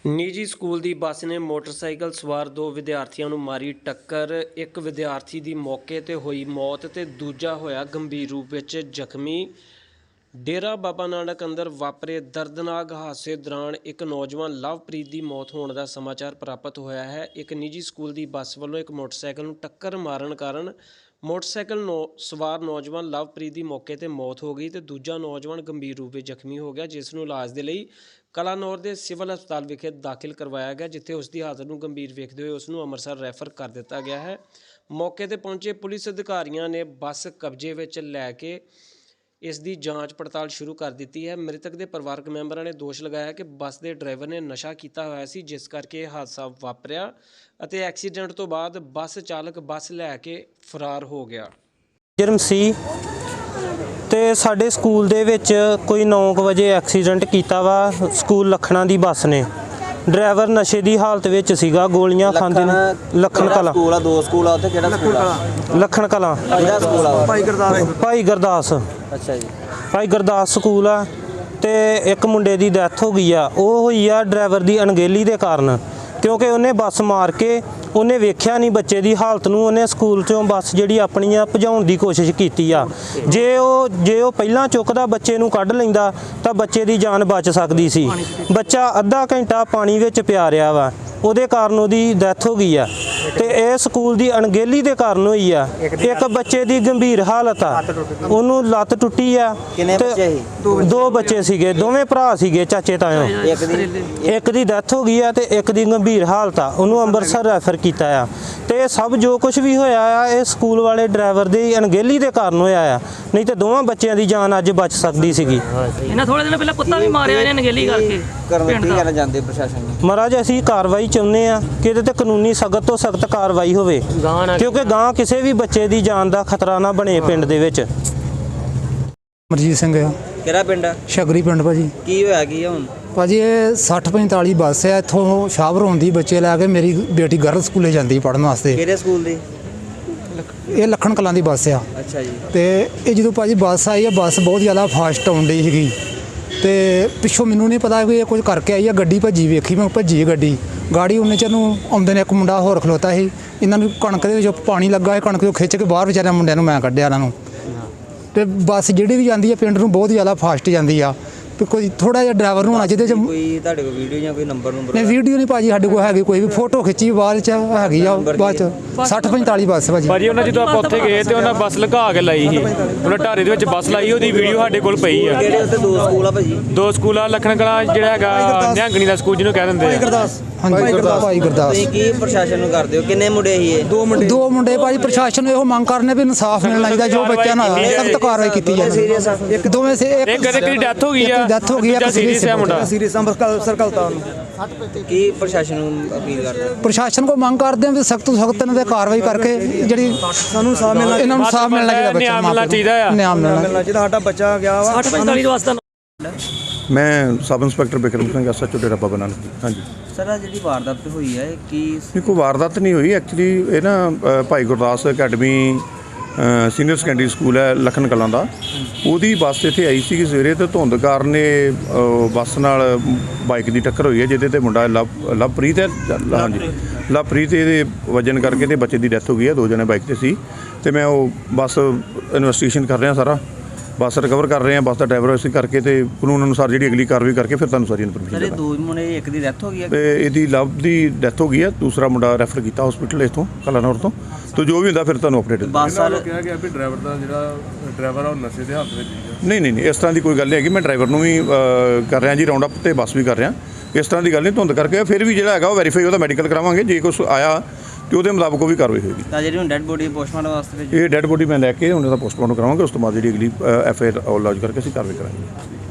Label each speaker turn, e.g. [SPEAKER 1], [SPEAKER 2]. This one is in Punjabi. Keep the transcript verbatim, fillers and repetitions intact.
[SPEAKER 1] ਨਿੱਜੀ ਸਕੂਲ ਦੀ ਬੱਸ ਨੇ ਮੋਟਰਸਾਈਕਲ ਸਵਾਰ ਦੋ ਵਿਦਿਆਰਥੀਆਂ ਨੂੰ ਮਾਰੀ ਟੱਕਰ। ਇੱਕ ਵਿਦਿਆਰਥੀ ਦੀ ਮੌਕੇ 'ਤੇ ਹੋਈ ਮੌਤ ਤੇ ਦੂਜਾ ਹੋਇਆ ਗੰਭੀਰ ਰੂਪ ਵਿੱਚ ਜ਼ਖਮੀ। ਡੇਰਾ ਬਾਬਾ ਨਾਨਕ ਅੰਦਰ ਵਾਪਰੇ ਦਰਦਨਾਕ ਹਾਦਸੇ ਦੌਰਾਨ ਇੱਕ ਨੌਜਵਾਨ ਲਵਪ੍ਰੀਤ ਦੀ ਮੌਤ ਹੋਣ ਦਾ ਸਮਾਚਾਰ ਪ੍ਰਾਪਤ ਹੋਇਆ ਹੈ। ਇੱਕ ਨਿੱਜੀ ਸਕੂਲ ਦੀ ਬੱਸ ਵੱਲੋਂ ਇੱਕ ਮੋਟਰਸਾਈਕਲ ਨੂੰ ਟੱਕਰ ਮਾਰਨ ਕਾਰਨ ਮੋਟਰਸਾਈਕਲ ਨੌ ਸਵਾਰ ਨੌਜਵਾਨ ਲਵਪ੍ਰੀਤ ਦੀ ਮੌਕੇ 'ਤੇ ਮੌਤ ਹੋ ਗਈ ਤੇ ਦੂਜਾ ਨੌਜਵਾਨ ਗੰਭੀਰ ਰੂਪ ਵਿੱਚ ਜ਼ਖਮੀ ਹੋ ਗਿਆ, ਜਿਸ ਨੂੰ ਇਲਾਜ ਦੇ ਲਈ ਕਲਾਨੌਰ ਦੇ ਸਿਵਲ ਹਸਪਤਾਲ ਵਿਖੇ ਦਾਖਲ ਕਰਵਾਇਆ ਗਿਆ, ਜਿੱਥੇ ਉਸ ਦੀ ਹਾਲਤ ਨੂੰ ਗੰਭੀਰ ਵੇਖਦੇ ਹੋਏ ਉਸ ਨੂੰ ਅੰਮ੍ਰਿਤਸਰ ਰੈਫਰ ਕਰ ਦਿੱਤਾ ਗਿਆ ਹੈ। ਮੌਕੇ 'ਤੇ ਪਹੁੰਚੇ ਪੁਲਿਸ ਅਧਿਕਾਰੀਆਂ ਨੇ ਬੱਸ ਕਬਜ਼ੇ ਵਿੱਚ ਲੈ ਕੇ ਇਸ ਦੀ ਜਾਂਚ ਪੜਤਾਲ ਸ਼ੁਰੂ ਕਰ ਦਿੱਤੀ ਹੈ। ਮ੍ਰਿਤਕ ਦੇ ਪਰਿਵਾਰਕ ਮੈਂਬਰਾਂ ਨੇ ਦੋਸ਼ ਲਗਾਇਆ ਕਿ ਬੱਸ ਦੇ ਡਰਾਈਵਰ ਨੇ ਨਸ਼ਾ ਕੀਤਾ ਹੋਇਆ ਸੀ, ਜਿਸ ਕਰਕੇ ਇਹ ਹਾਦਸਾ ਵਾਪਰਿਆ ਅਤੇ ਐਕਸੀਡੈਂਟ ਤੋਂ ਬਾਅਦ ਬੱਸ ਚਾਲਕ ਬੱਸ ਲੈ ਕੇ ਫਰਾਰ ਹੋ ਗਿਆ।
[SPEAKER 2] ਜਰਮ ਸੀ ਤੇ ਸਾਡੇ ਸਕੂਲ ਦੇ ਵਿੱਚ ਕੋਈ ਨੌ ਕੁ ਵਜੇ ਐਕਸੀਡੈਂਟ ਕੀਤਾ ਵਾ ਸਕੂਲ ਲਖਣਾ ਦੀ ਬੱਸ ਨੇ। ਡਰਾਈਵਰ ਨਸ਼ੇ ਦੀ ਹਾਲਤ ਵਿੱਚ ਸੀਗਾ, ਗੋਲੀਆਂ ਖਾਂਦੇ ਨੇ। ਲਖਣ ਕਲਾਂ
[SPEAKER 3] ਸਕੂਲ ਆ, ਦੋ ਸਕੂਲ ਆ ਉੱਥੇ, ਕਿਹੜਾ ਸਕੂਲ ਆ?
[SPEAKER 2] ਲਖਣ ਕਲਾਂ
[SPEAKER 3] ਕਿਹੜਾ ਸਕੂਲ ਆ?
[SPEAKER 2] ਭਾਈ ਗੁਰਦਾਸ ਭਾਈ ਗੁਰਦਾਸ
[SPEAKER 3] ਅੱਛਾ ਜੀ,
[SPEAKER 2] ਭਾਈ ਗੁਰਦਾਸ ਸਕੂਲ ਆ। ਤੇ ਇੱਕ ਮੁੰਡੇ ਦੀ ਡੈਥ ਹੋ ਗਈ ਆ, ਉਹ ਹੋਈ ਆ ਡਰਾਈਵਰ ਦੀ ਅਣਗਹਿਲੀ ਦੇ ਕਾਰਨ, ਕਿਉਂਕਿ ਉਹਨੇ ਬੱਸ ਮਾਰ ਕੇ ਉਹਨੇ ਵੇਖਿਆ ਨਹੀਂ ਬੱਚੇ ਦੀ ਹਾਲਤ ਨੂੰ। ਉਹਨੇ ਸਕੂਲ 'ਚੋਂ ਬੱਸ ਜਿਹੜੀ ਆਪਣੀ ਆ ਭਜਾਉਣ ਦੀ ਕੋਸ਼ਿਸ਼ ਕੀਤੀ ਆ। ਜੇ ਉਹ ਜੇ ਉਹ ਪਹਿਲਾਂ ਚੁੱਕਦਾ ਬੱਚੇ ਨੂੰ ਕੱਢ ਲੈਂਦਾ ਤਾਂ ਬੱਚੇ ਦੀ ਜਾਨ ਬਚ ਸਕਦੀ ਸੀ। ਬੱਚਾ ਅੱਧਾ ਘੰਟਾ ਪਾਣੀ ਵਿੱਚ ਪਿਆ ਰਿਹਾ ਵਾ, ਉਹਦੇ ਕਾਰਨ ਉਹਦੀ ਡੈਥ ਹੋ ਗਈ ਆ। ਤੇ ਇਹ ਸਕੂਲ ਦੀ ਅਣਗਹਿਲੀ ਦੇ ਕਾਰਨ ਹੋਈ ਆ। ਇੱਕ ਬੱਚੇ ਦੀ ਗੰਭੀਰ ਹਾਲਤ ਆ, ਉਹਨੂੰ ਲੱਤ ਟੁੱਟੀ ਆ।
[SPEAKER 3] ਕਿੰਨੇ ਬੱਚੇ ਸੀ?
[SPEAKER 2] ਦੋ ਬੱਚੇ ਸੀਗੇ, ਦੋਵੇਂ ਭਰਾ ਸੀਗੇ ਚਾਚੇ ਤਾਇਓ।
[SPEAKER 3] ਇੱਕ ਦੀ
[SPEAKER 2] ਇੱਕ ਦੀ ਡੈਥ ਹੋ ਗਈ ਆ ਤੇ ਇੱਕ ਦੀ ਗੰਭੀਰ ਹਾਲਤ ਆ, ਉਹਨੂੰ ਅੰਮ੍ਰਿਤਸਰ ਰੈਫਰ ਕੀਤਾ ਆ। ਤੇ ਇਹ ਸਭ ਜੋ ਕੁਝ ਵੀ ਹੋਇਆ ਆ ਇਹ ਸਕੂਲ ਵਾਲੇ ਡਰਾਈਵਰ ਦੀ ਅਣਗਹਿਲੀ ਦੇ ਕਾਰਨ ਹੋਇਆ ਆ, ਨਹੀਂ ਤੇ ਦੋਵਾਂ ਬੱਚਿਆਂ ਦੀ ਜਾਨ ਅੱਜ ਬਚ ਸਕਦੀ ਸੀਗੀ।
[SPEAKER 4] ਇਹਨਾਂ ਥੋੜੇ ਦਿਨ ਪਹਿਲਾਂ ਕੁੱਤਾ ਵੀ ਮਾਰਿਆ ਇਹਨੇ ਅਣਗਹਿਲੀ ਕਰਕੇ।
[SPEAKER 3] ਕਰਨ ਕੀ ਕਰਨਾ ਜਾਂਦੇ ਪ੍ਰਸ਼ਾਸਨ ਨੂੰ?
[SPEAKER 2] ਮਹਾਰਾਜ ਅਸੀਂ ਕਾਰਵਾਈ ਚਾਹੁੰਦੇ ਆ ਕਿ ਇਹਦੇ ਤੇ ਕਾਨੂੰਨੀ ਸਖਤ ਤੋਂ ਸਖਤ ਕਾਰਵਾਈ ਹੋਵੇ, ਕਿਉਂਕਿ ਗਾਂ ਕਿਸੇ ਵੀ ਬੱਚੇ ਦੀ ਜਾਨ ਦਾ ਖਤਰਾ ਨਾ ਬਣੇ ਪਿੰਡ ਦੇ ਵਿੱਚ।
[SPEAKER 5] ਮਰਜੀਤ ਸਿੰਘ ਆ।
[SPEAKER 3] ਕਿਹੜਾ ਪਿੰਡ ਆ?
[SPEAKER 5] ਸ਼ਗਰੀ ਪਿੰਡ ਭਾਜੀ।
[SPEAKER 3] ਕੀ ਹੋਇਆ ਕੀ ਹੁਣ?
[SPEAKER 5] ਭਾਜੀ ਇਹ ਸੱਠ ਪੰਤਾਲੀ ਬੱਸ ਹੈ, ਇੱਥੋਂ ਸ਼ਾਹਪੁਰ ਆਉਂਦੀ ਬੱਚੇ ਲੈ ਕੇ। ਮੇਰੀ ਬੇਟੀ ਗਰਲ ਸਕੂਲੇ ਜਾਂਦੀ ਪੜ੍ਹਨ ਵਾਸਤੇ।
[SPEAKER 3] ਕਿਹੜੇ ਸਕੂਲ ਦੀ?
[SPEAKER 5] ਇਹ ਲੱਖਣ ਕਲਾਂ ਦੀ ਬੱਸ ਆ।
[SPEAKER 3] ਅੱਛਾ ਜੀ।
[SPEAKER 5] ਤੇ ਇਹ ਜਦੋਂ ਭਾਜੀ ਬੱਸ ਆਈ ਆ, ਬੱਸ ਬਹੁਤ ਜ਼ਿਆਦਾ ਫਾਸਟ ਆਉਂਦੀ ਸੀਗੀ ਤੇ ਪਿੱਛੋਂ ਮੈਨੂੰ ਨਹੀਂ ਪਤਾ ਕਿ ਇਹ ਕੁਝ ਕਰਕੇ ਆਈ ਆ। ਗੱਡੀ ਭੱਜੀ ਵੇਖੀ ਮੈਂ, ਭੱਜੀ ਗੱਡੀ ਗਾੜੀ ਉਹਨੇ ਚ ਨੂੰ ਆਉਂਦੇ ਨੇ। ਇੱਕ ਮੁੰਡਾ ਹੋਰ ਖਲੋਤਾ ਸੀ, ਇਹਨਾਂ ਨੂੰ ਕਣਕ ਦੇ ਵਿੱਚ ਪਾਣੀ ਲੱਗਾ ਹੈ, ਕਣਕ ਤੋਂ ਖਿੱਚ ਕੇ ਬਾਹਰ ਵਿਚਾਰਿਆਂ ਮੁੰਡਿਆਂ ਨੂੰ ਮੈਂ ਕੱਢਿਆ ਇਹਨਾਂ ਨੂੰ। ਤੇ ਬੱਸ ਜਿਹੜੀ ਵੀ ਜਾਂਦੀ ਹੈ ਪਿੰਡ ਨੂੰ ਬਹੁਤ ਜ਼ਿਆਦਾ ਫਾਸਟ ਜਾਂਦੀ ਆ। ਤੇ ਕੋਈ ਥੋੜਾ ਜਿਹਾ ਡਰਾਈਵਰ ਨੂੰ ਹੋਣਾ ਜਿਹਦੇ ਚ
[SPEAKER 3] ਕੋਈ ਤੁਹਾਡੇ ਕੋਲ ਵੀਡੀਓ ਜਾਂ ਕੋਈ ਨੰਬਰ ਨੰਬਰ?
[SPEAKER 5] ਨਹੀਂ ਵੀਡੀਓ ਨਹੀਂ ਭਾਜੀ ਸਾਡੇ ਕੋਲ ਹੈਗੀ, ਕੋਈ ਵੀ ਫੋਟੋ ਖਿੱਚੀ ਬਾਅਦ ਚ ਹੈਗੀ ਆ। ਬਾਅਦ ਚ ਸੱਠ ਪੰਤਾਲੀ ਬੱਸ ਭਾਜੀ।
[SPEAKER 6] ਭਾਜੀ ਉਹਨਾਂ ਜਦੋਂ ਆਪਾਂ ਉੱਥੇ ਗਏ ਤੇ ਉਹਨਾਂ ਬੱਸ ਲਗਾ ਕੇ ਲਾਈ ਸੀ, ਉਹਨਾਂ ਢਾਰੇ ਦੇ ਵਿੱਚ ਬੱਸ ਲਾਈ, ਉਹਦੀ ਵੀਡੀਓ ਸਾਡੇ ਕੋਲ ਪਈ ਆ।
[SPEAKER 3] ਕਿਹੜੇ ਉੱਥੇ ਦੋ ਸਕੂਲ ਆ ਭਾਜੀ?
[SPEAKER 6] ਦੋ ਸਕੂਲ ਆ, ਲਖਣ ਕਲਾਂ ਜਿਹੜਾ ਹੈਗਾ ਨਿਹੰਗਣੀ ਦਾ ਸਕੂਲ ਜਿਹਨੂੰ ਕਹਿ ਦਿੰਦੇ ਆ।
[SPEAKER 5] ਹਾਂਜੀ ਭਾਈ ਗੁਰਦਾਸ।
[SPEAKER 3] ਤੁਸੀਂ ਕੀ ਪ੍ਰਸ਼ਾਸਨ ਨੂੰ ਕਰਦੇ ਹੋ? ਕਿੰਨੇ ਮੁੰਡੇ ਸੀ ਇਹ?
[SPEAKER 5] ਦੋ ਮੁੰਡੇ ਦੋ ਮੁੰਡੇ ਭਾਜੀ। ਪ੍ਰਸ਼ਾਸਨ ਨੂੰ ਇਹੋ ਮੰਗ ਕਰਨੇ ਵੀ ਇਨਸਾਫ ਮਿਲਣਾ ਚਾਹੀਦਾ, ਜੋ ਬੱਚਿਆਂ ਨਾਲ ਸਖਤ ਕਾਰਵਾਈ ਕੀਤੀ ਜਾਵੇ। ਇੱਕ ਦੋਵੇਂ ਸੇ ਇੱਕ
[SPEAKER 6] ਇੱਕ ਦੀ ਡੈਥ ਹੋ ਗਈ ਆ,
[SPEAKER 5] ਡੈਥ ਹੋ ਗਈ ਆ,
[SPEAKER 6] ਸੀਰੀਅਸ ਹੈ ਮੁੰਡਾ।
[SPEAKER 5] ਸੀਰੀਅਸ ਸਰਕਲ ਤਾਂ
[SPEAKER 3] ਕੀ ਪ੍ਰਸ਼ਾਸਨ ਨੂੰ ਅਪੀਲ ਕਰਦੇ ਹੋ?
[SPEAKER 5] ਪ੍ਰਸ਼ਾਸਨ ਕੋ ਮੰਗ ਕਰਦੇ ਹਾਂ ਵੀ ਸਖਤ ਤੋਂ ਸਖਤ ਇਹਨਾਂ ਤੇ ਕਾਰਵਾਈ ਕਰਕੇ ਜਿਹੜੀ ਸਾਨੂੰ ਇਨਸਾਫ ਮਿਲਣਾ, ਇਹਨਾਂ ਨੂੰ ਇਨਸਾਫ ਮਿਲਣਾ ਚਾਹੀਦਾ। ਬੱਚਾ
[SPEAKER 6] ਮਿਲਣਾ ਚਾਹੀਦਾ ਆ,
[SPEAKER 5] ਨਿਆਂ ਮਿਲਣਾ ਚਾਹੀਦਾ। ਸਾਡਾ ਬੱਚਾ ਗਿਆ ਵਾ
[SPEAKER 4] ਸੱਠ ਪੰਤਾਲੀ ਵਾਸਤਾ।
[SPEAKER 7] ਮੈਂ sub inspector Bikram Singh S H O Dera Baba Nanak. ਹਾਂਜੀ
[SPEAKER 3] ਸਰ, ਆ ਜਿਹੜੀ ਵਾਰਦਾਤ ਹੋਈ ਹੈ ਕੀ?
[SPEAKER 7] ਨਹੀਂ, ਕੋਈ ਵਾਰਦਾਤ ਨਹੀਂ ਹੋਈ ਐਕਚੁਅਲੀ। ਇਹ ਨਾ ਅ, Bhai Gurdas academy senior secondary school ਹੈ ਲਖਣ ਕਲਾਂ ਦਾ, ਉਹਦੀ ਬੱਸ ਇੱਥੇ ਆਈ ਸੀ ਸਵੇਰੇ ਤੇ ਧੁੰਦ ਕਾਰਨ ਇਹ ਬੱਸ ਨਾਲ ਬਾਈਕ ਦੀ ਟੱਕਰ ਹੋਈ ਹੈ, ਜਿਹਦੇ ਤੇ ਮੁੰਡਾ ਲਵ ਲਵਪ੍ਰੀਤ ਹੈ। ਹਾਂਜੀ ਲਵਪ੍ਰੀਤ, ਇਹਦੇ ਵਜਨ ਕਰਕੇ ਤੇ ਬੱਚੇ ਦੀ ਡੈਥ ਹੋ ਗਈ ਹੈ। ਦੋ ਜਣੇ ਬਾਈਕ ਤੇ ਸੀ ਤੇ ਮੈਂ ਉਹ ਬੱਸ ਇਨਵੈਸਟੀਗੇਸ਼ਨ ਕਰ ਰਿਹਾ, ਸਾਰਾ ਬੱਸ ਰਿਕਵਰ ਕਰ ਰਹੇ ਹਾਂ, ਬੱਸ ਦਾ ਡਰਾਈਵਰ ਅਸੀਂ ਕਰਕੇ ਤੇ ਕਾਨੂੰਨ ਅਨੁਸਾਰ ਜਿਹੜੀ ਅਗਲੀ ਕਾਰਵਾਈ ਕਰਕੇ ਫਿਰ ਤੁਹਾਨੂੰ ਸਾਰੀ ਇਨਫੋਰਮੇਸ਼ਨ
[SPEAKER 3] ਸਰ, ਇਹ ਦੋ ਮੁੰਡੇ, ਇੱਕ ਦੀ ਡੈਥ ਹੋ ਗਈ ਹੈ
[SPEAKER 7] ਤੇ ਇਹਦੀ ਲਵ ਦੀ ਡੈਥ ਹੋ ਗਈ ਹੈ, ਦੂਸਰਾ ਮੁੰਡਾ ਰੈਫਰ ਕੀਤਾ ਹਸਪੀਟਲ ਇੱਥੋਂ ਕਲਾਨੌਰ ਤੋਂ। ਤੇ ਜੋ ਵੀ ਹੁੰਦਾ ਫਿਰ ਤੁਹਾਨੂੰ ਅਪਡੇਟ
[SPEAKER 3] ਬੱਸ ਵਾਲਾ
[SPEAKER 8] ਕਿਹਾ ਗਿਆ ਵੀ ਡਰਾਈਵਰ ਦਾ ਜਿਹੜਾ ਡਰਾਈਵਰ ਆ ਉਹ ਨਸ਼ੇ ਦੇ ਹਾਲਤ ਵਿੱਚ ਸੀਗਾ।
[SPEAKER 7] ਨਹੀਂ ਨਹੀਂ ਨਹੀਂ ਇਸ ਤਰ੍ਹਾਂ ਦੀ ਕੋਈ ਗੱਲ ਨਹੀਂ ਹੈਗੀ। ਮੈਂ ਡਰਾਈਵਰ ਨੂੰ ਵੀ ਕਰ ਰਿਹਾ ਜੀ ਰਾਉਂਡ ਅਪ ਤੇ ਬੱਸ ਵੀ ਕਰ ਰਿਹਾ। ਇਸ ਤਰ੍ਹਾਂ ਦੀ ਗੱਲ ਨਹੀਂ, ਧੁੰਦ ਕਰਕੇ ਫਿਰ ਵੀ ਜਿਹੜਾ ਹੈਗਾ ਉਹ ਵੈਰੀਫਾਈ, ਉਹਦਾ ਮੈਡੀਕਲ ਕਰਾਵਾਂਗੇ। ਜੇ ਕੁਛ ਆਇਆ ਤੇ ਉਹਦੇ ਮੁਤਾਬਕ ਉਹ ਵੀ ਕਾਰਵਾਈ ਹੋਏਗੀ।
[SPEAKER 3] ਤਾਂ ਜਿਹੜੀ ਹੁਣ ਡੈਡ ਬੋਡੀ ਪੋਸਟਮਾਰਟਮ ਵਾਸਤੇ
[SPEAKER 7] ਇਹ ਡੈਡ ਬੋਡੀ ਮੈਂ ਲੈ ਕੇ ਉਹਨਾਂ ਦਾ ਪੋਸਟਮਾਰਟਮ ਕਰਾਵਾਂਗੇ। ਉਸ ਤੋਂ ਬਾਅਦ ਜਿਹੜੀ ਅਗਲੀ ਐਫ ਆਈ ਆਰ ਲੌਜ ਕਰਕੇ ਅਸੀਂ ਕਾਰਵਾਈ ਕਰਾਂਗੇ।